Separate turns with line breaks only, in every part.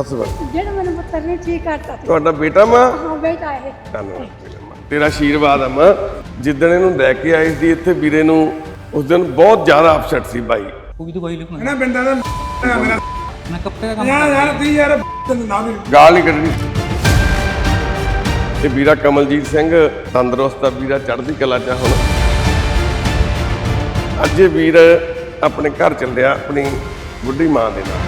Husband
ਜਿਹੜਾ ਮੈਨੂੰ ਪੁੱਤਰ ਨੇ ਠੀਕ ਕਰਤਾ
ਤੁਹਾਡਾ ਬੇਟਾ ਮਾਂ?
ਹਾਂ ਬੇਟਾ ਇਹ
ਧੰਨਵਾਦ ਤੇਰਾ ਆਸ਼ੀਰਵਾਦ ਆ ਮਾਂ। ਜਿੱਦਣ ਇਹਨੂੰ ਲੈ ਕੇ ਆਏ ਸੀ ਇੱਥੇ ਵੀਰੇ ਨੂੰ, ਉਸ ਦਿਨ ਬਹੁਤ ਜ਼ਿਆਦਾ ਅਪਸੈਟ ਸੀ ਬਾਈ।
ਕੋਈ ਦਵਾਈ ਲਿਖਣਾ
ਨਾ ਬਿੰਦਾ ਦਾ ਮੇਰਾ
ਮੈਂ ਕੱਪੜੇ ਦਾ ਕੰਮ
ਯਾਰ ਤੀ ਯਾਰ ਨਾ ਵੀ
ਗਾਲ ਨਹੀਂ ਕੱਢਣੀ। ਤੇ ਵੀਰਾ ਕਮਲਜੀਤ ਸਿੰਘ ਤੰਦਰੁਸਤ ਆ ਵੀਰਾ, ਚੜ੍ਹਦੀ ਕਲਾ ਚ ਆ ਹੁਣ। ਅੱਜ ਇਹ ਵੀਰ ਆਪਣੇ ਘਰ ਚੱਲਿਆ ਆਪਣੀ ਬੁੱਢੀ ਮਾਂ ਦੇ ਨਾਲ।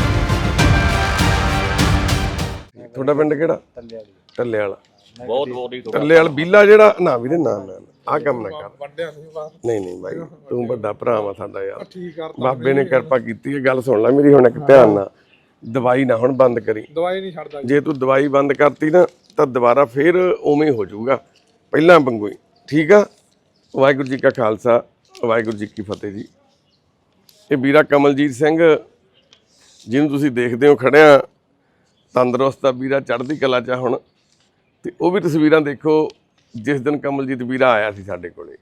ਤੁਹਾਡਾ ਪਿੰਡ ਕਿਹੜਾ? ਟੱਲੇ ਵਾਲਾ।
ਬਹੁਤ ਬੋਡੀ
ਟੱਲੇ ਵਾਲਾ ਬੀਲਾ ਜਿਹੜਾ ਨਾ ਵੀਰੇ ਨਾ ਆਹ ਕੰਮ ਨਾ ਕਰ। ਨਹੀਂ ਬਾਈ ਤੂੰ ਵੱਡਾ ਭਰਾ ਵਾ ਸਾਡਾ ਯਾਰ, ਬਾਬੇ ਨੇ ਕਿਰਪਾ ਕੀਤੀ ਹੈ। ਗੱਲ ਸੁਣ ਲੈ ਮੇਰੀ ਹੁਣ ਇੱਕ ਧਿਆਨ ਨਾਲ, ਦਵਾਈ ਨਾ ਹੁਣ ਬੰਦ ਕਰੀ।
ਦਵਾਈ ਨਹੀਂ ਛੱਡਦਾ
ਜੇ ਤੂੰ ਦਵਾਈ ਬੰਦ ਕਰਤੀ ਨਾ ਤਾਂ ਦੁਬਾਰਾ ਫੇਰ ਉਵੇਂ ਹੋ ਜਾਊਗਾ ਪਹਿਲਾਂ ਵਾਂਗੂ ਹੀ, ਠੀਕ ਆ। ਵਾਹਿਗੁਰੂ ਜੀ ਕਾ ਖਾਲਸਾ ਵਾਹਿਗੁਰੂ ਜੀ ਕੀ ਫਤਿਹ ਜੀ। ਇਹ ਵੀਰਾ ਕਮਲਜੀਤ ਸਿੰਘ ਜਿਹਨੂੰ ਤੁਸੀਂ ਦੇਖਦੇ ਹੋ ਖੜਿਆ, ਤੰਦਰੁਸਤ ਆ ਵੀਰਾ, ਚੜ੍ਹਦੀ ਕਲਾ ਚ ਹੁਣ। ਤੇ ਉਹ ਵੀ ਤਸਵੀਰਾਂ ਦੇਖੋ ਜਿਸ ਦਿਨ ਕਮਲਜੀਤ ਵੀਰਾ ਆਇਆ ਸੀ ਸਾਡੇ ਕੋਲੇ।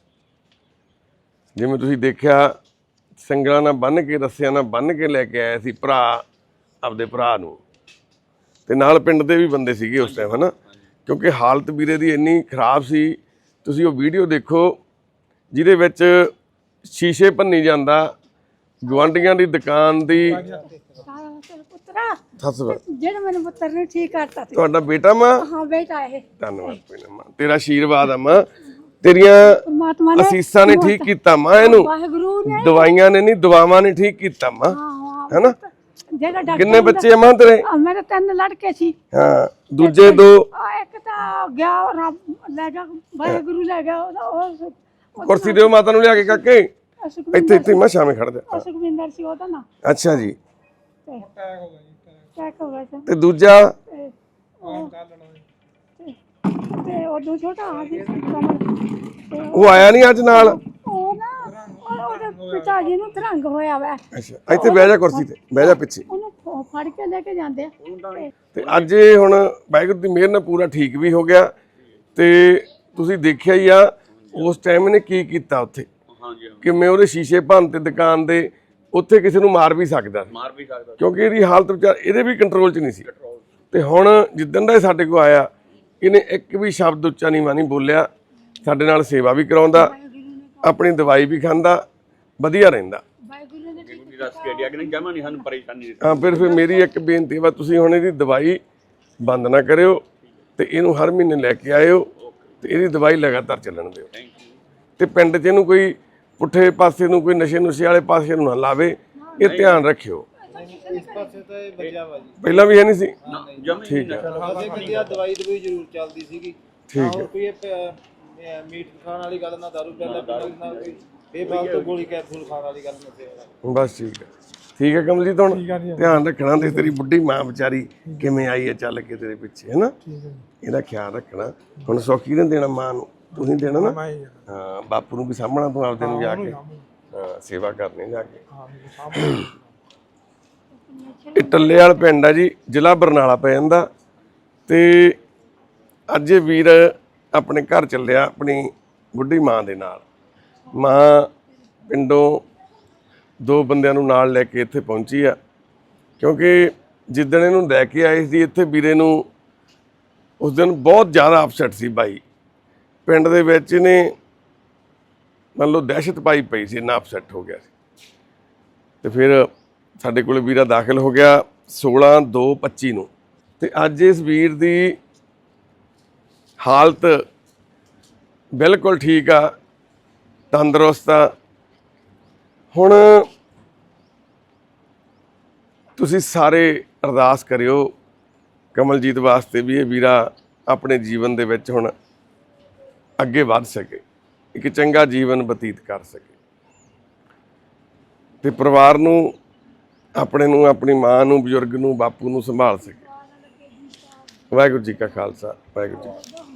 ਜਿਵੇਂ ਤੁਸੀਂ ਦੇਖਿਆ ਸੰਗਲਾਂ ਨਾਲ ਬੰਨ੍ਹ ਕੇ, ਰੱਸਿਆਂ ਨਾਲ ਬੰਨ੍ਹ ਕੇ ਲੈ ਕੇ ਆਇਆ ਸੀ ਭਰਾ ਆਪਦੇ ਭਰਾ ਨੂੰ। ਤੇ ਨਾਲ ਪਿੰਡ ਦੇ ਵੀ ਬੰਦੇ ਸੀਗੇ ਉਸ ਟਾਈਮ, ਹਨਾ, ਕਿਉਂਕਿ ਹਾਲਤ ਵੀਰੇ ਦੀ ਇੰਨੀ ਖਰਾਬ ਸੀ। ਤੁਸੀਂ ਉਹ ਵੀਡੀਓ ਦੇਖੋ ਜਿਹਦੇ ਵਿੱਚ ਸ਼ੀਸ਼ੇ ਭੰਨੀ ਜਾਂਦਾ, ਗੁਆਂਢੀਆਂ ਦੀ ਦੁਕਾਨ ਦੀ।
ਪੁੱਤਰਾ
ਹਸਬੰਦ
ਜਿਹੜਾ ਮੈਨੂੰ ਪੁੱਤਰ ਨੇ ਠੀਕ ਕਰਤਾ
ਤੁਹਾਡਾ ਬੇਟਾ ਮਾਂ?
ਹਾਂ ਬੇਟਾ ਇਹ
ਧੰਨਵਾਦ ਮਾਂ, ਤੇਰਾ ਆਸ਼ੀਰਵਾਦ ਆ ਮਾਂ। ਤੇਰੀਆਂ
ਪਰਮਾਤਮਾ ਨੇ
ਅਸੀਸਾਂ ਨੇ ਠੀਕ ਕੀਤਾ ਮਾਂ ਇਹਨੂੰ,
ਵਾਹਿਗੁਰੂ ਨੇ।
ਦਵਾਈਆਂ ਨੇ ਨਹੀਂ ਦੁਆਵਾਂ ਨੇ ਠੀਕ ਕੀਤਾ ਮਾਂ, ਹੈਨਾ।
ਜਿਹੜਾ ਡਾਕਟਰ
ਕਿੰਨੇ ਬੱਚੇ ਆ ਮਾਂ ਤੇਰੇ?
ਮੇਰੇ 3 ਲੜਕੇ ਸੀ।
ਹਾਂ, ਦੂਜੇ 2?
ਇੱਕ ਤਾਂ ਗਿਆ ਰੱਬ ਲੈ ਗਿਆ, ਵਾਹਿਗੁਰੂ ਲੈ ਗਿਆ ਉਹ
ਕੁਰਸੀ ਦਿਓ ਮਾਤਾ ਨੂੰ ਲਿਆ ਕੇ ਕਾਕੇ। ਇੱਥੇ ਮੈਂ ਸ਼ਾਮੇ ਖੜ ਜਾ।
ਸੁਖਵਿੰਦਰ ਸੀ ਉਹਦਾ ਨਾ।
ਅੱਛਾ ਜੀ।
ਟੈਕ ਹੋ ਗਿਆ ਸੀ।
ਤੇ ਦੂਜਾ?
ਤੇ ਉਹ ਛੋਟਾ ਆ ਜੀ ਕਮਲ,
ਉਹ ਆਇਆ ਨਹੀਂ ਅੱਜ ਨਾਲ?
ਉਹ ਨਾ ਉਹਦੇ ਪਿਤਾ ਜੀ ਨੂੰ ਤਰੰਗ ਹੋਇਆ ਵਾ।
ਅੱਛਾ, ਇੱਥੇ ਬਹਿ ਜਾ ਕੁਰਸੀ ਤੇ, ਬਹਿ ਜਾ ਪਿੱਛੇ।
ਉਹਨੂੰ ਫੜ ਕੇ ਲੈ ਕੇ ਜਾਂਦੇ ਆ।
ਤੇ ਅੱਜ ਇਹ ਹੁਣ ਵਾਹਿਗੁਰੂ ਦੀ ਮਿਹਰ ਨਾਲ ਪੂਰਾ ਠੀਕ ਵੀ ਹੋ ਗਿਆ। ਤੇ ਤੁਸੀਂ ਦੇਖਿਆ ਹੀ ਆ ਉਸ ਟਾਈਮ ਇਹਨੇ ਕੀ ਕੀਤਾ ਉੱਥੇ, ਕਿਵੇਂ ਉਹਦੇ ਸ਼ੀਸ਼ੇ ਭੰਨ ਤੇ ਦੁਕਾਨ ਦੇ। ਉੱਥੇ ਕਿਸੇ ਨੂੰ ਮਾਰ ਵੀ ਸਕਦਾ ਕਿਉਂਕਿ ਇਹਦੀ ਹਾਲਤ ਵਿਚਾਰ ਇਹਦੇ ਵੀ ਕੰਟਰੋਲ 'ਚ ਨਹੀਂ ਸੀ। ਤੇ ਹੁਣ ਜਿੱਦਣ ਦਾ ਇਹ ਸਾਡੇ ਕੋਲ ਆਇਆ, ਇਹਨੇ ਇੱਕ ਵੀ ਸ਼ਬਦ ਉੱਚਾ ਨੀਵਾਂ ਨਹੀਂ ਬੋਲਿਆ। ਸਾਡੇ ਨਾਲ ਸੇਵਾ ਵੀ ਕਰਾਉਂਦਾ, ਆਪਣੀ ਦਵਾਈ ਵੀ ਖਾਂਦਾ, ਵਧੀਆ ਰਹਿੰਦਾ। ਹਾਂ, ਫਿਰ ਮੇਰੀ ਇੱਕ ਬੇਨਤੀ ਵਾ, ਤੁਸੀਂ ਹੁਣ ਇਹਦੀ ਦਵਾਈ ਬੰਦ ਨਾ ਕਰਿਓ ਤੇ ਇਹਨੂੰ ਹਰ ਮਹੀਨੇ ਲੈ ਕੇ ਆਇਓ ਤੇ ਇਹਦੀ ਦਵਾਈ ਲਗਾਤਾਰ ਚੱਲਣ ਦਿਓ। ਤੇ ਪਿੰਡ 'ਚ ਇਹਨੂੰ ਕੋਈ ਪੁੱਠੇ ਪਾਸੇ ਨੂੰ, ਕੋਈ ਨਸ਼ੇ ਵਾਲੇ ਪਾਸੇ ਨੂੰ ਨਾ ਲਾਵੇ, ਇਹ ਧਿਆਨ ਰੱਖਿਓ।
ਇਸ ਪਾਸੇ ਤਾਂ ਇਹ ਬਚਿਆ ਵਾ ਜੀ,
ਪਹਿਲਾਂ ਵੀ ਹੈ ਨਹੀਂ ਸੀ? ਠੀਕ ਹੈ,
ਦਵਾਈ ਜ਼ਰੂਰ ਚੱਲਦੀ ਸੀਗੀ।
ਠੀਕ ਹੈ।
ਕੋਈ ਮੀਟ ਖਾਣ ਵਾਲੀ ਗੱਲ ਨਾ, ਦਾਰੂ ਪਹਿਲਾਂ ਨਾ, ਕੋਈ ਬੇਫਾਲਤੂ ਗੋਲੀ ਕੈਪਸੂਲ ਖਾਣ ਵਾਲੀ ਗੱਲ ਨਾ।
ਬਸ ਠੀਕ ਹੈ, ਠੀਕ ਹੈ ਕਮਲਜੀਤ। ਹੁਣ ਧਿਆਨ ਰੱਖਣਾ ਤੇ ਤੇਰੀ ਬੁੱਢੀ ਮਾਂ ਵਿਚਾਰੀ ਕਿਵੇਂ ਆਈ ਹੈ ਚੱਲ ਕੇ ਤੇਰੇ ਪਿੱਛੇ, ਹੈ ਨਾ, ਇਹਦਾ ਖਿਆਲ ਰੱਖਣਾ। ਹੁਣ ਸੌਖੀ ਨੇ ਦੇਣਾ ਮਾਂ ਨੂੰ, ਤੁਸੀਂ ਦੇਣਾ ਨਾ। ਹਾਂ, ਬਾਪੂ ਨੂੰ ਵੀ ਸਾਂਭਣਾ ਤੂੰ ਆਪਦੇ ਨੂੰ ਜਾ ਕੇ। ਹਾਂ, ਸੇਵਾ ਕਰਨੀ ਜਾ ਕੇ। ਇਹ ਟੱਲੇ ਵਾਲਾ ਪਿੰਡ ਆ ਜੀ, ਜ਼ਿਲ੍ਹਾ ਬਰਨਾਲਾ ਪੈ ਜਾਂਦਾ। ਤੇ ਅੱਜ ਇਹ ਵੀਰ ਆਪਣੇ ਘਰ ਚੱਲਿਆ ਆਪਣੀ ਬੁੱਢੀ ਮਾਂ ਦੇ ਨਾਲ। ਮਾਂ ਪਿੰਡੋਂ 2 ਬੰਦਿਆਂ ਨੂੰ ਨਾਲ ਲੈ ਕੇ ਇੱਥੇ ਪਹੁੰਚੀ ਆ, ਕਿਉਂਕਿ ਜਿੱਦਣ ਇਹਨੂੰ ਲੈ ਕੇ ਆਏ ਸੀ ਇੱਥੇ ਵੀਰੇ ਨੂੰ, ਉਸ ਦਿਨ ਬਹੁਤ ਜ਼ਿਆਦਾ ਅਪਸੈਟ ਸੀ ਬਾਈ। ਪਿੰਡ ਦੇ ਵਿੱਚ ਇਹਨੇ ਮੰਨ ਲਓ ਦਹਿਸ਼ਤ ਪਾਈ ਪਈ ਸੀ, ਇੰਨਾ ਅਪਸੈਟ ਹੋ ਗਿਆ ਸੀ। ਤੇ ਫਿਰ ਸਾਡੇ ਕੋਲ ਵੀਰਾ ਦਾਖਲ ਹੋ ਗਿਆ 16/2/25 ਨੂੰ। ਤੇ ਅੱਜ ਇਸ ਵੀਰ ਦੀ ਹਾਲਤ ਬਿਲਕੁਲ ਠੀਕ ਆ, ਤੰਦਰੁਸਤ ਆ। ਹੁਣ ਤੁਸੀਂ ਸਾਰੇ ਅਰਦਾਸ ਕਰਿਓ ਕਮਲਜੀਤ ਵਾਸਤੇ ਵੀ ਇਹ ਵੀਰਾ ਆਪਣੇ ਜੀਵਨ ਦੇ ਵਿੱਚ ਹੁਣ ਅੱਗੇ ਵੱਧ ਸਕੇ, ਇੱਕ ਚੰਗਾ ਜੀਵਨ ਬਤੀਤ ਕਰ ਸਕੇ ਤੇ ਪਰਿਵਾਰ ਨੂੰ, ਆਪਣੇ ਨੂੰ, ਆਪਣੀ ਮਾਂ ਨੂੰ, ਬਜ਼ੁਰਗ ਨੂੰ, ਬਾਪੂ ਨੂੰ ਸੰਭਾਲ ਸਕੇ। ਵਾਹਿਗੁਰੂ ਜੀ ਕਾ ਖਾਲਸਾ, ਵਾਹਿਗੁਰੂ ਜੀ ਕੀ ਫਤਿਹ।